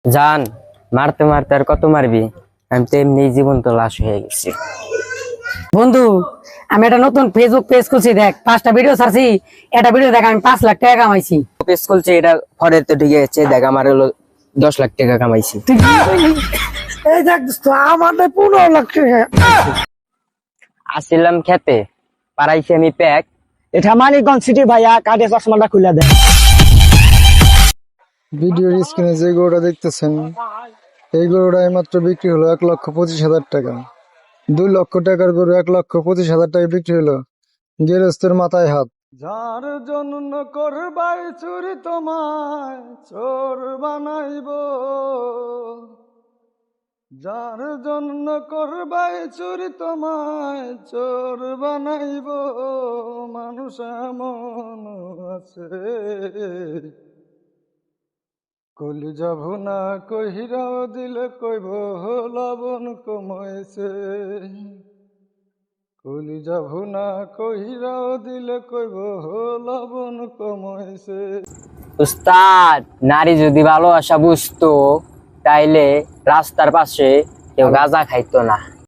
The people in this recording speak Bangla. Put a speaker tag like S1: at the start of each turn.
S1: জান, মারতে মারতে আর কত মারবি? আমি তো এমনি জীবন্ত লাশ হয়ে গেছি।
S2: বন্ধু, আমি একটা নতুন ফেসবুক পেজ খুলছি, দেখ 5টা ভিডিও ছাড়ছি। একটা ভিডিও দেখ আমি 5 লাখ টাকা কামাইছি।
S1: পেজ খুলছে, এটা পরে তো ঠিক আছে। দেখ, আমার হলো 10 লাখ টাকা কামাইছি।
S2: এই দেখ দোস্ত, আমার 15 লাখ টাকা।
S1: আসছিলাম খেতে, পারাইছি আমি প্যাক।
S2: এটা মানিকগঞ্জ সিটি ভাইয়া, কাটে চশমাটা খুলে দেয়।
S3: ভিডিওর স্ক্রিনে যে গরুটা দেখতেছেন, এই গরুটা মাত্র বিক্রি হলো 1,25,000 টাকা। 2 লক্ষ টাকার গরু 1,25,000 টাকা বিক্রি হলো। গেরস্তের মাথায় হাত। যার জন্য করবাই চুরি তোমায় চোর বানাইব, যার জন্য করবাই চুরি তোমায় চোর বানাইব, মানুষ এমন আছে কলি যাব না কহিরাও দিলে কইব লবণ কমাইছে, কলি যাব না কহিরাও দিলে কইব লবণ কমাইছে।
S1: উস্তাদ, নারী যদি ভালোবাসা বুঝতো তাইলে রাস্তার পাশে কেউ গাঁজা খাইতো না।